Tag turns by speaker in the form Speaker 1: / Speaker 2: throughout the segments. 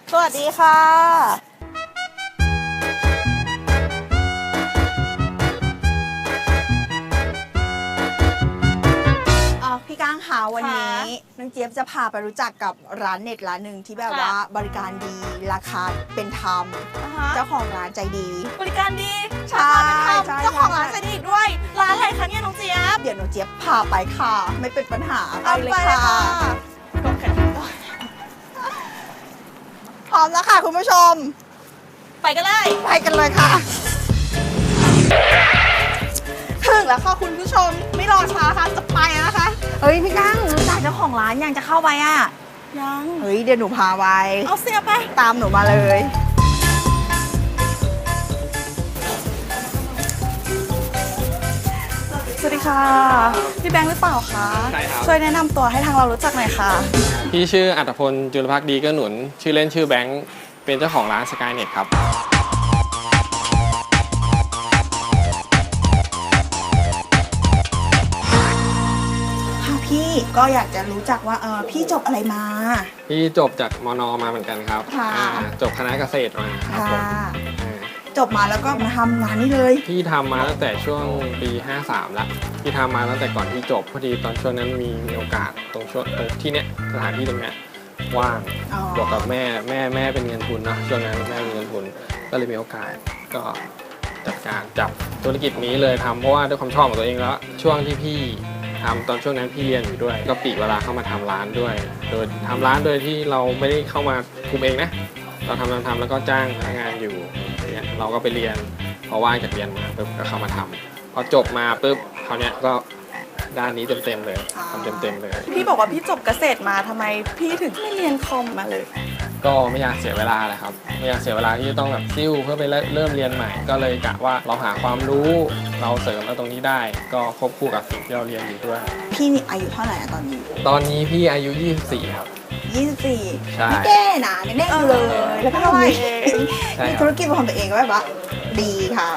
Speaker 1: สวัสดีค่ะพี่ก้างคะวันนี้น้องเจี๊ยบจะพาไปรู้จักกับร้านเน็ตร้านหนึ่งที่แบบว่าบริการดีราคาเป็นธรรมเจ้าของร้านใจดี
Speaker 2: บริการดี
Speaker 1: ใช่
Speaker 2: เจ้าของร้านใจดีด้วยร้านอะไรคะเนี่ยน้องเจี๊ยบ
Speaker 1: เดี๋ยวน้องเจี๊ยบพาไปค่ะไม่เป็นปัญหาไปเลยค่ะพร้อมแล้วค่ะคุณผู้ชม
Speaker 2: ไปกันเลย
Speaker 1: ค่ะถึงแล้วค่ะคุณผู้ชมไม่รอช้าค่ะจะไปนะคะเฮ้ยพี่ก้างรู้จักเจ้าของร้านยังจะเข้าไปอ่ะ
Speaker 2: ยัง
Speaker 1: เฮ้ยเดี๋ยวหนูพาไป
Speaker 2: เอาเสียไป
Speaker 1: ตามหนูมาเลยสวัสดีค่ะพี่แบงค์หรือเปล่าคะ
Speaker 3: ใช่ครับ
Speaker 1: ช่วยแนะนำตัวให้ทางเรารู้จักหน่อยค่ะ
Speaker 3: พี่ชื่ออัตพลจุลภักดีเกื้อหนุนชื่อเล่นชื่อแบงค์เป็นเจ้าของร้าน Skynet ครับ
Speaker 1: พี่ก็อยากจะรู้จักว่าพี่จบอะไรมา
Speaker 3: พี่จบจากมน.มาเหมือนกันครับจบคณะเกษตรมาครับผม
Speaker 1: จบมาแล้วก็มาทำงานนี้เลย
Speaker 3: พี่ทำมาตั้งแต่ช่วงปี53แล้วพี่ทำมาตั้งแต่ก่อนที่จบพอดีตอนช่วงนั้นมีโอกาสตรงที่เนี้ยสถานที่ตรงเนี้ยว่างบวกกับแม่เป็นเงินทุนนะช่วงนั้นแม่มีเงินทุนก็เลยมีโอกาสก็จับธุรกิจนี้เลยทำเพราะว่าด้วยความชอบของตัวเองแล้วช่วงที่พี่ทำตอนช่วงนั้นพี่เรียนอยู่ด้วยก็ปลีกเวลาเข้ามาทำร้านด้วยโดยทำร้านโดยที่เราไม่ได้เข้ามาคุมเองนะเราทำแล้วก็จ้างพนักงานอยู่เนี่ยเราก็ไปเรียนพอว่างจากเรียนมาปุ๊บก็เข้ามาทำพอจบมาปุ๊บเขาเนี่ยก็ด้านนี้เต็มเลยทำเต็มเลย
Speaker 2: พี่บอกว่าพี่จบเกษตรมาทำไมพี่ถึงไม่เรียนคอมมาเลย
Speaker 3: ก็ไม่อยากเสียเวลาเลยครับไม่อยากเสียเวลาที่จะต้องแบบซิ่วเพื่อไปเริ่มเรียนใหม่ก็เลยกะว่าเราหาความรู้เราเสริมแล้วตรงนี้ได้ก็ควบคู่กับสิ่งที่เราเรียนอยู่ด้วย
Speaker 1: พี่นี่อายุเท่าไหร่ตอน
Speaker 3: นี้พี่อายุ24ครับ
Speaker 1: 24
Speaker 3: ใช่
Speaker 1: ไม่แก่นะยังเด็กอยู่เลยแล้วก็ทำมีธุรกิจของตัวเองก็แบบว่าดีค่ะ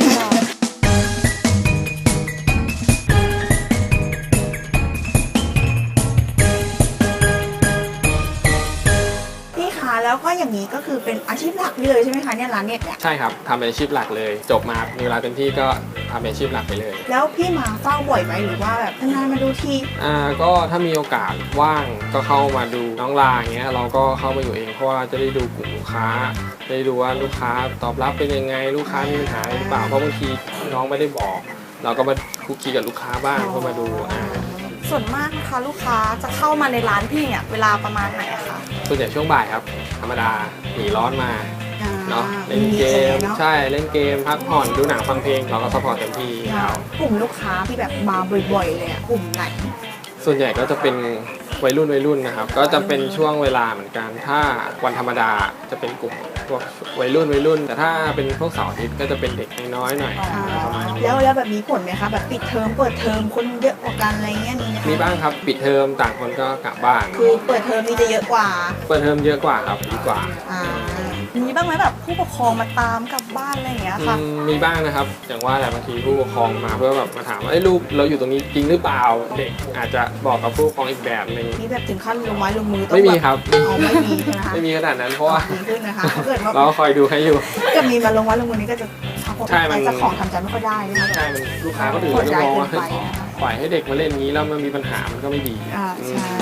Speaker 1: แล้วก็อย่างนี้ก็คือเป็นอาชีพหลักเลยใช่ไหมคะเนี่ยร้านเน็ตเนี่ย
Speaker 3: ใช่ครับทำเป็นอาชีพหลักเลยจบมามีเวลาเต็มที่ก็ทำเป็นอาชีพหลักไปเลย
Speaker 1: แล้วพี่มาเฝ้าบ่อยไหมหรือว่าแบบนานมาดูที
Speaker 3: ก็ถ้ามีโอกาสว่างก็เข้ามาดูน้องลาอย่างเงี้ยเราก็เข้ามาอยู่เองเพราะว่าจะได้ดูกลุ่มลูกค้าได้ดูว่าลูกค้าตอบรับเป็นยังไงลูกค้ามีปัญหาอะไรหรือเปล่าเพราะบางทีน้องไม่ได้บอกเราก็มาคุกคีกับลูกค้าบ้างเพื่อมาดู
Speaker 2: ส่วนมากนะคะลูกค้าจะเข้ามาในร้านพี่เนี่ยเวลาประมาณไหนคะ
Speaker 3: ส่วนใหญ่ช่วงบ่ายครับธรรมดาหนีร้อนมาเนาะเล่นเกมใช่เล่นเกมพักผ่อนดูหนังฟังเพลงเราก็ซัพพอร์ตเต็มที่
Speaker 1: กลุ่มลูกค้าที่แบบมาบ่อยๆเลยกลุ่มไหน
Speaker 3: ส่วนใหญ่ก็จะเป็นวัยรุ่นนะครับก็จะเป็นช่วงเวลาเหมือนกันถ้าวันธรรมดาจะเป็นกลุ่มพวกวัยรุ่นแต่ถ้าเป็นพวกเสาร์อาทิตย์ก็จะเป็นเด็กน้อยหน่อยประมาณนี้
Speaker 1: แล้วแบบมีผลไหมคะแบบปิดเทอมเปิดเทอมคนเยอะกว่ากันอะไรเงี้ย
Speaker 3: มีบ้างครับปิดเทอมต่างคนก็กลับบ้าน
Speaker 1: คือเปิดเทอมนี่จะเยอะกว่า
Speaker 3: เปิดเทอมเยอะกว่าครับดีกว่า
Speaker 2: มีบ้างไหมแบบผู้ปกครองมาตามกลับบ้านอะไรอย่างเงี้ยค่ะ
Speaker 3: มีบ้างนะครับอย่างว่าแหละบางทีผู้ปกครองมาเพื่อแบบมาถามว่าลูกเราอยู่ตรงนี้จริงหรือเปล่าเด็กอาจจะบอกกับผู้ปกครองอีกแบบนึง
Speaker 1: มีแบบถึงขั้นลงไม้ลงมือ
Speaker 3: ไม่มีครับ
Speaker 1: ไม่มีนะคะ
Speaker 3: ไม่มีขนาดนั้นเพราะว่า
Speaker 1: ขึ้นนะคะเกิดว่า
Speaker 3: เราคอยดูให้อยู่
Speaker 1: จะมีมาลงไม้ลงมือนี้ก็จะใช่มันจะของทำใจไม่ค่อยได้
Speaker 3: ใช่มันลูกค้าก็ถือว่าจะมองว่าปล่อยให้เด็กมาเล่นนี้แล้วมันมีปัญหามันก็ไม่ดี
Speaker 1: ใช่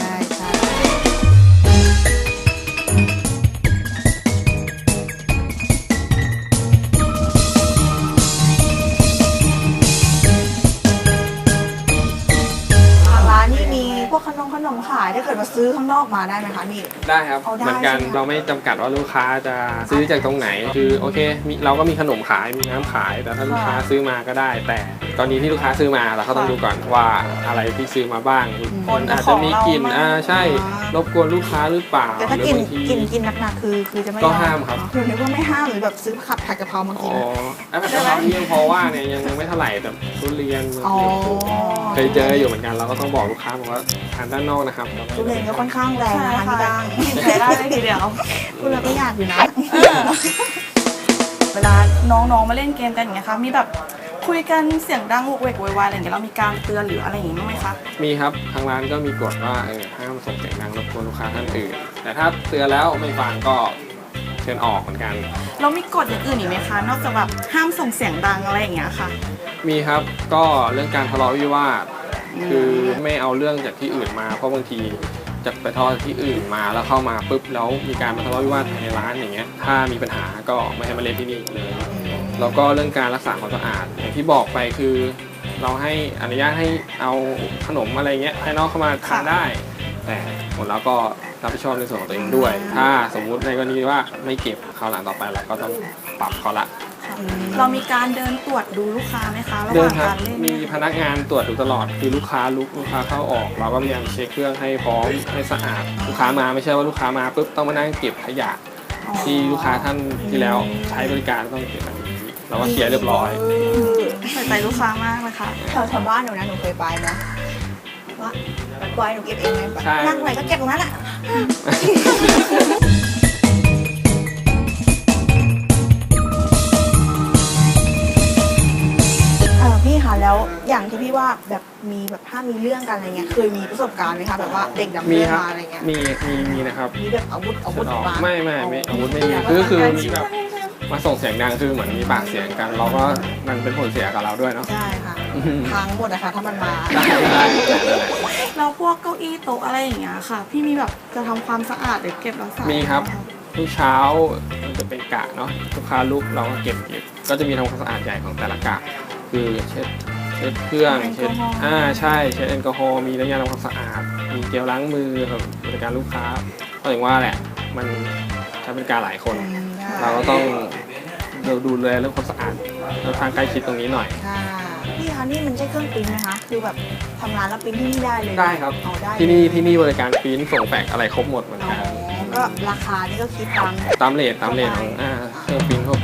Speaker 1: พวกขนมขายถ้าเกิดมาซื้อข้างนอกมาได้ไหมคะนี่
Speaker 3: ได้ครับเหมือนกันเราไม่จำกัดว่าลูกค้าจะซื้อจากตรงไหนคือโอเคเราก็มีขนมขายมีน้ำขายแต่ถ้าลูกค้าซื้อมาก็ได้แต่ตอนนี้ที่ลูกค้าซื้อมาเราก็ต้องดูก่อนว่าอะไรที่ซื้อมาบ้างอาจจะมีกลิ่นใช่รบกวนลูกค้าหรือเปล่า
Speaker 1: แต่ถ้ากินหนักๆคือจะไม่
Speaker 3: ก็ห้ามครับ
Speaker 1: คือนึกว่าไม่ห้ามหรือแบบซื้อผัดกะเพรามากิน
Speaker 3: ผัดกะเพราที่ยังพอว่าเนี่ยยังไม่เท่าไหร่แต่ทุเรียนเคยเจออยู่เหมือนกันเราก็ต้องบอกลูกค้าบอกว่าทานด้านนอกนะครับ
Speaker 1: ทุเรียนก็ค่อนข้างแรงนะคะพี่ดัง
Speaker 2: ใช้ได้เลยทีเดียว
Speaker 1: คุณเราก็อยากอยู่นะ
Speaker 2: เวลาน้องๆมาเล่นเกมกันอย่างเงี้ยค่ะมีแบบคุยกันเสียงดังโวกเวกโวยวายอะไรอย่างเงี้ยเรามีการเตือนหรืออะไรอย่างงี้บ้างไหมคะ
Speaker 3: มีครับทางร้านก็มีกฎว่าห้ามส่งเสียงดังรบกวนลูกค้าท่านอื่นแต่ถ้าเตือนแล้วไม่ฟังก็เชิญออกเหมือนกัน
Speaker 2: เรามีกฎอย่างอื่นอีกไหมคะนอกจากแบบห้ามส่งเสียงดังอะไรอย่างเงี้ยค่ะ
Speaker 3: มีครับก็เรื่องการทะเลาะวิวาทคือไม่เอาเรื่องจากที่อื่นมาเพราะบางทีจากไปทะเลาะที่อื่นมาแล้วเข้ามาปุ๊บแล้วมีการมาทะเลาะวิวาทภายในร้านอย่างเงี้ยถ้ามีปัญหาก็ไม่ให้มาเล่นที่นี่เลยแล้วก็เรื่องการรักษาความสะอาดอย่างที่บอกไปคือเราให้อนุญาตให้เอาขนมอะไรเงี้ยภายนอกเข้ามาทานได้ แต่ผลแล้วก็รับผิดชอบในส่วนของตัวเองด้วย ถ้าสมมุติในกรณีว่าไม่เก็บคราวหลังต่อไปเราก็ต้องปรับเขาละ
Speaker 2: เรามีการเดินตรวจดูลูกค้าไหมคะระห
Speaker 3: เดิน
Speaker 2: ว่าง
Speaker 3: ครับ
Speaker 2: การเล่น
Speaker 3: มีพนักงานตรวจดูตลอดคือลูกค้าเข้าออกเราก็พยายามเช็คเครื่องให้พร้อมให้สะอาดลูกค้ามาไม่ใช่ว่าลูกค้ามาปุ๊บต้องมานั่งเก็บขยะที่ลูกค้าท่านที่แล้วใช้บริการต้องเก็บแบบนี้เราก็เคลียร์เรียบร้อย
Speaker 2: ใส่ใจลูกค้ามากเลยค่ะ
Speaker 1: แถวบ้านหนูนะหนูเคยไปนะว่าปล่อยหนูเก็บเองไงแบบ
Speaker 3: ใช่
Speaker 1: นั่งไหนก็เก็บตรงนั้นแหละพี่คะแล้วอย่างที่พี่ว่าแบบมีแบบถ้ามีเรื่องกันอะไรเงี้ยเคยมีประสบการณ์ไหมคะแบบว่าเด็กดำ
Speaker 3: มี
Speaker 1: เนิน
Speaker 3: ครับ
Speaker 1: มาอะไรเงี้ย
Speaker 3: มีนะครับ
Speaker 1: มีแบบอาวุธ
Speaker 3: ออก
Speaker 1: มา
Speaker 3: ไม่อาวุธไม่มีคือมีแบบมาส่งเสียงดังคือเหมือนมีปากเสียงกัน เราก็มันเป็นผลเสียกับเราด้วยเนาะ
Speaker 1: ใช่ค่ะพังหมดนะคะถ้ามันมา
Speaker 3: ได้
Speaker 2: เราพวกเก้าอี้โต๊ะอะไรอย่างเงี้ยค่ะ พี่มีแบบจะทำความสะอาดหรือเก็บรักษา
Speaker 3: มีครับทุกเช้ามันจะเป็นกะเนาะลูกค้าลุกเราก็เก็บก็จะมีทำความสะอาดใหญ่ของแต่ละกะคือเช็ดเครื่องเช็ดใช่เช็ดแอลกอฮอล์มีน้ำยาทำความสะอาดมีเจลล้างมือสำหรับบริการลูกค้าก็อย่างว่าแหละมันใช้บริการหลายคน เราก็ต้องดูแลเรื่องความสะอาดแล้วทางใกล้ชิดตรงนี้หน่อย
Speaker 1: ค่ะพี่คะนี่มันใช่เครื่องปริ้นไหมคะคือแบบทำร้านแล้วปริ้นที่นี่ได้เลย
Speaker 3: ได้ครับ
Speaker 1: เอาได้
Speaker 3: ที่นี่บริการปริ้นส่งแฟกซ์อะไรครบหมดเหมือน
Speaker 1: อ๋
Speaker 3: กัน
Speaker 1: อก็ราคานี่ก็คิดตาม
Speaker 3: ตามเรทของเครื่องปริ้นทั่วไป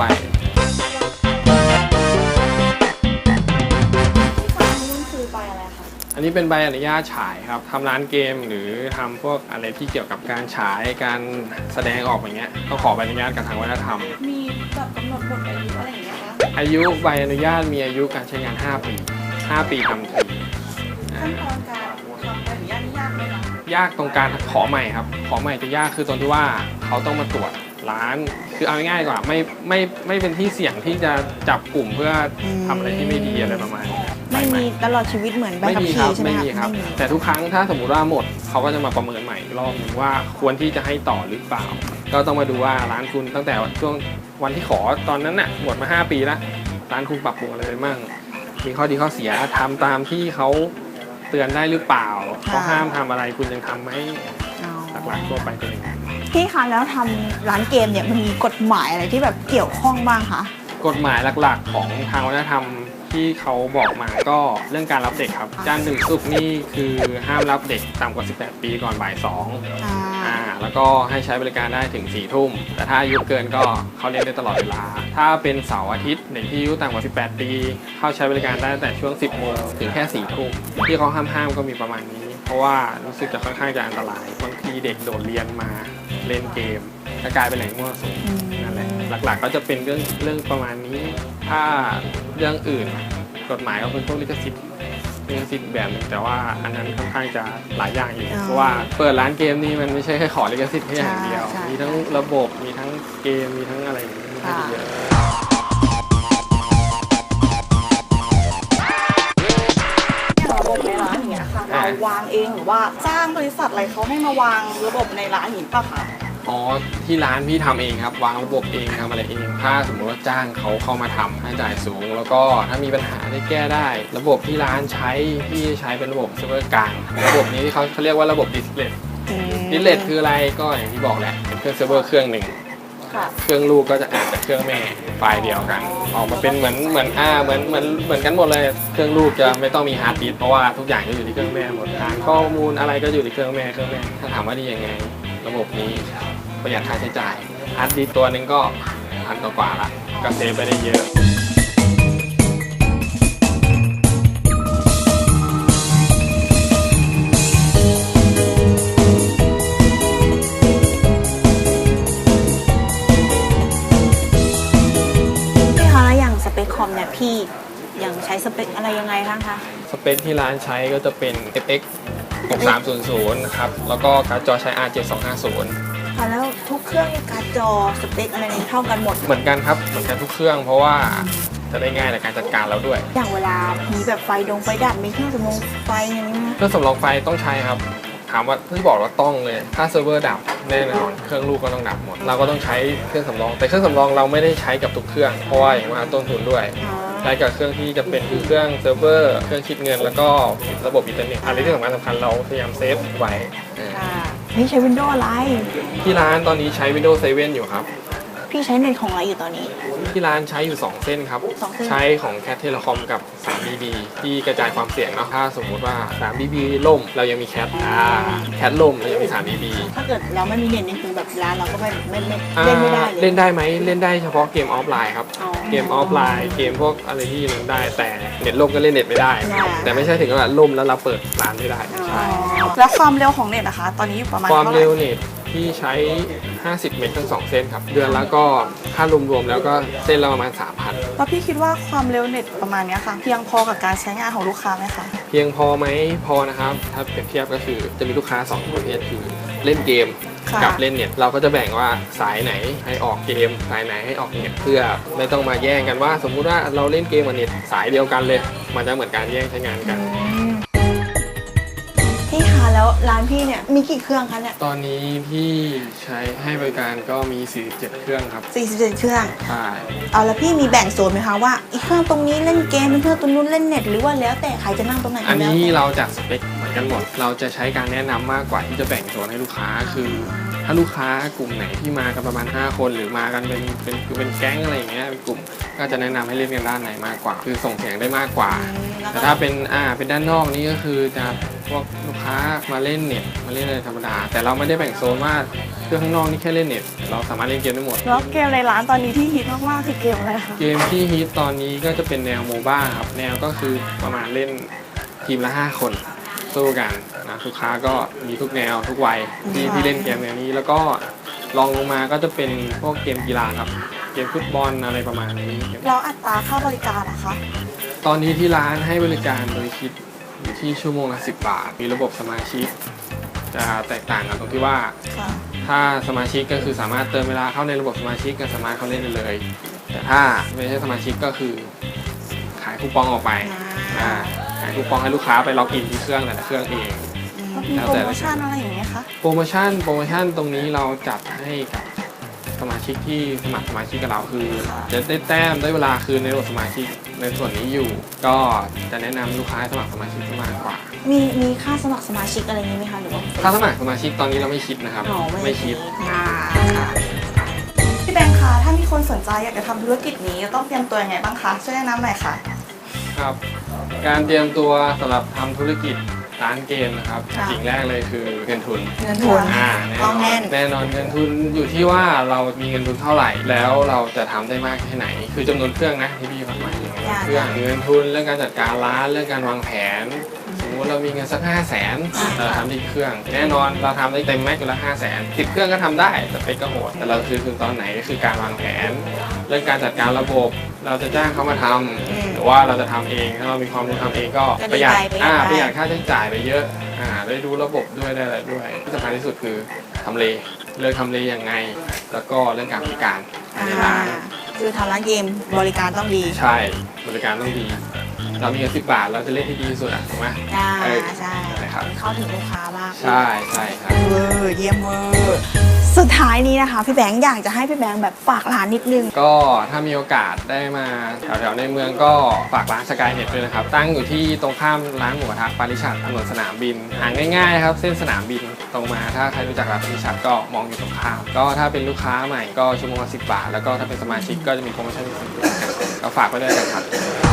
Speaker 2: นู่นคือไปอะไรคะ
Speaker 3: อันนี้เป็นใบอนุญาตฉายครับทำร้านเกมหรือทำพวกอะไรที่เกี่ยวกับการฉายการแสดงออกอย่างเงี้ยต้องขอใบอนุญาตกับทางวัฒนธรรม
Speaker 2: มีแบบกำหนดหมดอายุอะไรอย่างเงี้ยคะ
Speaker 3: อายุใบอนุญาตมีอายุการใช้งาน 5 ปี 5 ปีทำที
Speaker 2: ขั้นตอนการทำใบอนุญาตนี่ยากไหมคะ
Speaker 3: ยากตรงการขอใหม่ครับขอใหม่จะยากคือตรงที่ว่าเขาต้องมาตรวจร้านคือเอาง่ายๆกว่าไม่เป็นที่เสี่ยงที่จะจับกลุ่มเพื่อทำอะไรที่ไม่ดีอะไรประมาณนี้
Speaker 1: ไม่มีตลอดชีวิตเหมือนใบ
Speaker 3: ไม่
Speaker 1: ขับ
Speaker 3: มีครั
Speaker 1: ขี่
Speaker 3: บ
Speaker 1: ใช่ไหม
Speaker 3: ไม่
Speaker 1: คะ
Speaker 3: มีครับแต่ทุกครั้งถ้าสมมุติว่าหมดเขาก็จะมาประเมินใหม่อีกรอบหนึงว่าควรที่จะให้ต่อหรือเปล่า ก็ต้องมาดูว่าร้านคุณตั้งแต่ช่วงวันที่ขอตอนนั้นน่ะหมดมา5 ปีแล้วร้านคุณปรับปรุงอะไรไปมั่งมีข้อดีข้อเสียทำตามที่เขาเตือนได้หรือเปล่าเขาห้ามทำอะไรคุณยังทำไหม
Speaker 1: อ๋อ
Speaker 3: หลักๆทั่วไปเป็นอย่างนั้น
Speaker 1: พี่คะแล้วทำร้านเกมเนี่ยมันมีกฎหมายอะไรที่แบบเกี่ยวข้องบ้างคะ
Speaker 3: กฎหมายหลักๆของทางวัฒนธรรมที่เขาบอกมาก็เรื่องการรับเด็กครับจันทร์ถึงศุกร์นี่คือห้ามรับเด็กต่ำกว่า 18 ปีก่อนบ่าย 2 แล้วก็ให้ใช้บริการได้ถึง 4 ทุ่ม แต่ถ้าอายุเกินก็เขาเรียนได้ตลอดเวลา ถ้าเป็นเสาร์อาทิตย์เด็กที่อายุต่ำกว่า 18 ปี เข้าใช้บริการได้ตั้งแต่ช่วง 10 โมงถึงแค่ 4 ทุ่ม ที่เขาห้ามก็มีประมาณนี้ เพราะว่ารู้สึกจะค่อนข้างจะอันตราย บางทีเด็กโดดเรียนมาเล่นเกมจะกลายเป็นแหล่งมั่วสุมนั่นแหละ หลักๆก็จะเป็นเรื่องประมาณนี้ ถ้าเรื่องอื่นกฎหมายก็เป็นพวกลิขสิทธิ์แบบหนึงแต่ว่าอันนั้นค่อนข้างจะหลายอย่างอยู่เพราะว่าเปิดร้านเกมนี่มันไม่ใช่แค่ขอลิขสิทธิ์แค่อย่างเดียว มีทั้งระบบมีทั้งเกมมีทั้งอะไรอย่างนี้ค่อนข้างจะเยอะ
Speaker 2: ระบบในร้านอย่างเงี้ยค่ะเราวางเองหรือว่าจ้างบริษัทอะไรเขาให้มาวางระบบในร้านอย่างนี้ป่ะคะ
Speaker 3: อ๋อที่ร้านพี่ทำเองครับวางระบบเองทำอะไรเองถ้าสมมติว่าจ้างเขาเข้ามาทำค่าใช้จ่ายสูง แล้วก็ถ้ามีปัญหาได้แก้ได้ ระบบที่ร้านใช้พี่ใช้เป็นระบบเซิร์ฟเวอร์กลางระบบนี้เขาเรียกว่าระบบดิสเลตคืออะไรก็อย่างที่บอกแหละเป็นเครื่องเซิร์ฟเวอร์เครื่องหนึ่งเครื่องลูกก็จะอ่านจากเครื่องแม่ไฟล์เดียวกันออกมาเป็นเหมือนกันหมดเลยเครื่องลูกจะไม่ต้องมีฮาร์ดดิสก์เพราะว่าทุกอย่างจะอยู่ที่เครื่องแม่หมดอ่านข้อมูลอะไรก็อยู่ที่เครื่องแม่ถ้าถามว่าดียังไงระบบนี้ประหยัดค่าใช้จ่ายฮาร์ดดิสก์ตัวนึงก็1,000 กว่าละก็เซฟไปได้เยอะ
Speaker 1: สเปคคอมเนี่ยพี่ยังใช้สเปคอะไรยังไงบ้างคะ
Speaker 3: สเปคที่ร้านใช้ก็จะเป็น FX 6300 นะครับแล้วก็การ์ดจอใช้ R 7250
Speaker 1: ค่ะแล้วทุกเครื่องการ์ดจอสเปคอะไรนี้เท่ากันหมด
Speaker 3: เหมือนกันครับเหมือนกันทุกเครื่องเพราะว่าจะได้ง่ายในการจัดการเราด้วย
Speaker 1: อย่างเวลามีแบบไฟดับมีเครื่องสำรองไฟอย่างนี้ไหม
Speaker 3: เครื่องสำรองไฟต้องใช้ครับถามว่าที่บอกว่าต้องเลยถ้าเซิร์ฟเวอร์ดับแน่นอนเครื่องลูกก็ต้องดับหมดเราก็ต้องใช้เครื่องสำรองแต่เครื่องสำรองเราไม่ได้ใช้กับทุกเครื่องเพราะว่าอย่างว่าต้นทุนด้วยใช้กับเครื่องที่จะเป็นคือเครื่องเซิร์ฟเวอร์เครื่องคิดเงินแล้วก็ระบบอินเทอร์เน็ตอะไรที่สำคัญเราพยายามเซฟไว้
Speaker 1: นี่ใช้ Windows อะไร
Speaker 3: ที่ร้านตอนนี้ใช้ Windows 7 อยู่ครับ
Speaker 1: พี่ใช้เน็ตของอะไรอยู่ตอนนี้
Speaker 3: ที่ร้านใช้อยู่ 2 เส้นครับ
Speaker 1: 2 เส้น
Speaker 3: ใช้ของ Cat Telecom กับ 3BB ที่กระจายความเสี่ยงเนาะถ้าสมมุติว่า 3BB ล่มเรายังมี Cat Cat ล่มเรายังมี 3BB
Speaker 1: ถ้าเกิดเราไม่มีเน็ตนี่คือแบบร้านเราก็ไม่เล่
Speaker 3: เล่
Speaker 1: นไม่ได้เลย
Speaker 3: เล่นได้ไหมเล่นได้เฉพาะเกมออฟไลน์ครับ
Speaker 1: อ๋อ
Speaker 3: เกมออฟไลน์เกมพวกอะไรที่เล่นได้แต่เน็ตล่มก็เล่นเน็ตไม่ได้
Speaker 1: อ่า
Speaker 3: แต่ไม่ใช่ถึงกับล่มแล้วเราเปิดร้านไม่ได้ใช่
Speaker 2: แล้วความเร็วของเน็ตนะคะ ตอนนี้อยู่ประมาณ
Speaker 3: ความ
Speaker 2: เท่าไหร่
Speaker 3: เร็วเน็ตที่ใช้ 50 เมกทั้ง 2 เส้นครับเดือนแล้วก็ค่ารวมๆแล้วก็เส้นละประมาณ 3,000
Speaker 2: แล้วพี่คิดว่าความเร็วเน็ตประมาณเนี้ยค่ะเพียงพอกับการใช้งานของลูกค้าไหมคะ
Speaker 3: เพียงพอไหมพอนะครับถ้าเปรียบเทียบก็คือจะมีลูกค้า2ประเภทคือเล่นเกม
Speaker 2: ค่ะ
Speaker 3: กับเล่นเน็ตเราก็จะแบ่งว่าสายไหนให้ออกเกมสายไหนให้ออกเน็ตเพื่อไม่ต้องมาแย่งกันว่า สมมุติว่าเราเล่นเกมกับเน็ตสายเดียวกันเลย มันจะเหมือนการแย่งใช้งานกัน
Speaker 1: พี่คะแล้วร้านพี่เนี่ยมีกี่เครื่องคะเนี่ย
Speaker 3: ตอนนี้พี่ใช้ให้บริการก็มี 47 เครื่องครับ
Speaker 1: 47 เครื่อง
Speaker 3: ใช่
Speaker 1: เอาแล้วพี่มีแบ่งโซนไหมคะว่าอีกเครื่องตรงนี้เล่นเกมอีกเครื่องตรงนู้นเล่นเน็ตหรือว่าแล้วแต่ใครจะนั่งตรงไหน
Speaker 3: อันนี้
Speaker 1: แล้วแต่
Speaker 3: เราจัดสเปคเหมือนกันหมด เราจะใช้การแนะนำมากกว่าที่จะแบ่งโซนให้ลูกค้าคือ ถ้าลูกค้ากลุ่มไหนที่มากันประมาณ 5 คนหรือมากันเป็นแก๊งอะไรอย่างเงี้ยเป็นกลุ่มก็จะแนะนำให้เล่นกันด้านไหนมากกว่า คือส่งเสียงได้มากกว่า แต่ถ้าเป็นด้านนอกนี่ก็คือจะพวกลูกค้ามาเล่นเน็ตมาเล่นอะไรธรรมดา แต่เราไม่ได้แบ่งโซนว่าเครื่องข้างนอกนี่แค่เล่นเน็ตเราสามารถเล่นเกมได้หมด
Speaker 2: แล้วเกมในร้านตอนนี้ที่ฮิตมากๆคือเกมอะไรคะ
Speaker 3: เกมที่ฮิตตอนนี้ก็จะเป็นแนวโมบ้าครับแนวก็คือประมาณเล่นทีมละ 5 คนสู้กันนะลูกค้าก็มีทุกแนวทุกวัยที่เล่นเกมแนวนี้แล้วก็ลองลงมาก็จะเป็นพวกเกมกีฬาครับเกมฟุตบอลอะไรประมาณนี้
Speaker 2: แล้วอัตราค่าบริการนะคะ
Speaker 3: ตอนนี้ที่ร้านให้บริการโดยคิดอยู่ที่ชั่วโมงละ10 บาท มีระบบสมาชิก จะแตกต่างกันตรงที่ว่า
Speaker 2: ค่ะ
Speaker 3: ถ้าสมาชิกก็คือสามารถเติมเวลาเข้าในระบบสมาชิกก็สามารถเข้าเล่นได้เลย แต่ถ้าไม่ใช่สมาชิกก็คือขายคูปองออกไปขายคูปองให้ลูกค้าไปล็อกอินที่เครื่องแต่ละเครื่องเอง
Speaker 2: มีโปรโมชั่นอะไรอย่างเงี้ยคะ
Speaker 3: โปรโมชั่นตรงนี้เราจัดให้กับสมาชิกที่สมัครสมาชิกกับเราคือจะได้แต้มได้เวลาคืนในระบบสมาชิกในส่วนนี้อยู่ ก็จะแนะนำลูกค้าให้สมัครสมาชิกมากกว่า
Speaker 1: มีค่าสมัครสมาชิกอะไรอย่างนี้ไหมคะหรือว่า
Speaker 3: ค่าสมัครสมาชิกตอนนี้เราไม่คิดนะครับ
Speaker 1: อ๋อไม่
Speaker 3: คิด
Speaker 1: ค่ะ
Speaker 2: พี่แบงค์คะถ้ามีคนสนใจอยากจะทำธุรกิจนี้ต้องเตรียมตัวยังไงบ้างคะช่วยแนะนำหน่อยค่ะ
Speaker 3: ครับ การเตรียมตัวสำหรับทำธุรกิจร้านเกมนะครับ
Speaker 1: ค่ะ
Speaker 3: สิ่งแรกเลยคือเงินทุน
Speaker 1: เงินทุน
Speaker 3: แน่นอนเงินทุนอยู่ที่ว่าเรามีเงินทุนเท่าไหร่ แล้วเราจะทำได้มากแค่ไหน คือจำนวนเครื่องนะที่พี่หมายถึงเครื่องเงินทุนเรื่องการจัดการร้านเรื่องการวางแผน สมมติเรามีเงินสัก 500,000 เราทำที่เครื่อง แน่นอนเราทำได้เต็มแม็กซ์อยู่ละ 500,000 10 เครื่องก็ทำได้แต่ไปก็โหดแต่เราคือตอนไหนก็คือการวางแผน เรื่องการจัดการระบบเราจะจ้างเขามาทำหรือว่าเราจะทำเองถ้าเรามีความรู้ทำเองก็ประหยัดประหยัดค่าใช้จ่ายไปเยอะได้ดูระบบด้วยได้อะไรด้วยที่สำคัญที่สุดคือทำเลเลือกทำเลยังไง แล้วก็เรื่องการบริการในร้าน
Speaker 1: คือทำร้านเกมบริการต้องดี
Speaker 3: ใช่บริการต้องดี เรามีเงิน10 บาทเราจะเล่นที่ดีที่สุดถูกไหม
Speaker 1: ใช่
Speaker 3: นะครับ
Speaker 1: เข้าถึงลูกค้าบ้าง
Speaker 3: ใช่ครับ
Speaker 1: เวอร์เยี่ยมเวอร์สุดท้ายนี้นะคะพี่แบงค์อยากจะให้พี่แบงค์แบบฝากร้านนิดนึง
Speaker 3: ก็ถ้ามีโอกาสได้มาแถวๆในเมืองก็ฝากร้านสกายเน็ตด้วยนะครับ ตั้งอยู่ที่ตรงข้ามร้านหมูกระทะปาริชัดถนนสนามบินหาง่ายๆครับเส้นสนามบินตรงมาถ้าใครรู้จักร้านปาริชัดก็มองอยู่ตรงข้ามก็ถ้าเป็นลูกค้าใหม่ก็ชั่วโมงละ10 บาท แล้วก็ถ้าเป็นสมาชิกก็จะมีโปรโมชั่นพิเศษก็ฝากไว้ด้วยกันครับ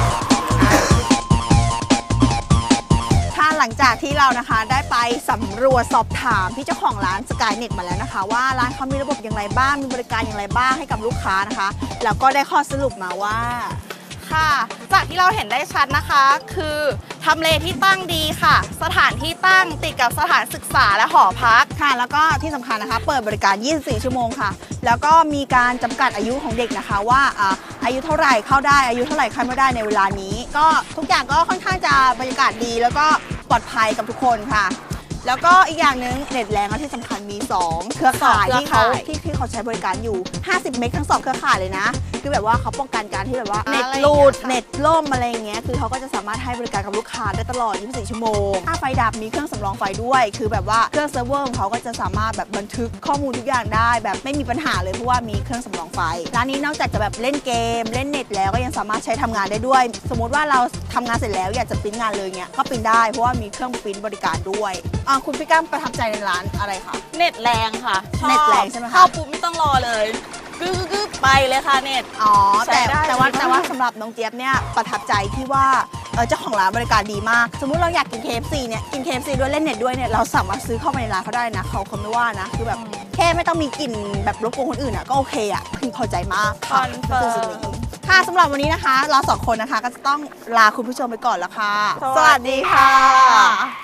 Speaker 1: หลังจากที่เรานะคะได้ไปสำรวจสอบถามพี่เจ้าของร้าน Skynet มาแล้วนะคะว่าร้านเขามีระบบอย่างไรบ้างมีบริการอย่างไรบ้างให้กับลูกค้านะคะแล้วก็ได้ข้อสรุปมาว่า
Speaker 2: ค่ะจากที่เราเห็นได้ชัดนะคะคือทำเลที่ตั้งดีค่ะ สถานที่ตั้งติดกับสถานศึกษาและหอพัก
Speaker 1: ค่ะแล้วก็ที่สำคัญนะคะเปิดบริการ 24 ชั่วโมงค่ะแล้วก็มีการจำกัดอายุของเด็กนะคะว่าอายุเท่าไหร่เข้าได้อายุเท่าไหร่เข้าไม่ได้ในเวลานี้ก็ทุกอย่างก็ค่อนข้างจะบรรยากาศดีแล้วก็ปลอดภัยกับทุกคนค่ะแล้วก็อีกอย่างหนึ่งเน็ตแรงและที่สำคัญมี 2 เครือข่ายที่เขาใช้บริการอยู่ 50 เมกทั้ง 2 เครือข่ายเลยนะ คือแบบว่าเขาป้องกันการที่แบบว่าเน็ตหลุดเน็ตล่มอะไรอย่างเงี้ยคือเขาก็จะสามารถให้บริการกับลูกค้าได้ตลอด 24 ชั่วโมงถ้าไฟดับมีเครื่องสำรองไฟด้วย คือแบบว่าเครื่องเซิร์ฟเวอร์ของเขาก็จะสามารถแบบบันทึกข้อมูลทุกอย่างได้แบบไม่มีปัญหาเลยเพราะว่ามีเครื่องสำรองไฟร้านนี้นอกจากจะแบบเล่นเกมเล่นเน็ตแล้วก็ยังสามารถใช้ทำงานได้ด้วย สมมุติว่าเราทำงานเสร็จแล้วอยากจะปริ้นงานเลยเงี้ยก็ปริ้นได้เพราะว่ามีเครื่องปริ้นบริการด้วยคุณพี่ก้ามประทับใจในร้านอะไรคะ
Speaker 2: เน็ตแรงค่ะชอบ
Speaker 1: เน็ตแรงใช่ไหมคะ
Speaker 2: เข้าปุ๊บไม่ต้องรอเลยกึ๊บไปเลยค่ะเน็ต
Speaker 1: อ๋อ
Speaker 2: ใช้ได้
Speaker 1: แต่ว่า
Speaker 2: ดีมาก
Speaker 1: แต่ว่าสำหรับน้องเจี๊ยบเนี่ยประทับใจที่ว่าเจ้าของร้านบริการดีมาก สมมุติเราอยากกิน KFC เนี่ยกิน KFC ด้วยเล่นเน็ตด้วยเนี่ยเราสามารถซื้อเข้ามาในร้านเขาได้นะเขาไม่ว่านะคือแบบแค่ไม่ต้องมีกลิ่นแบบรบกวนคนอื่นอ่ะก็โอเคอ่ะพึงพอใจมาก
Speaker 2: คอนเฟิร์ม
Speaker 1: ค่ะสำหรับวันนี้นะคะเราสองคนนะคะก็จะต้องลาคุณผู้ชมไปก่อนแล้วค่ะ
Speaker 2: สวัสดีค่ะ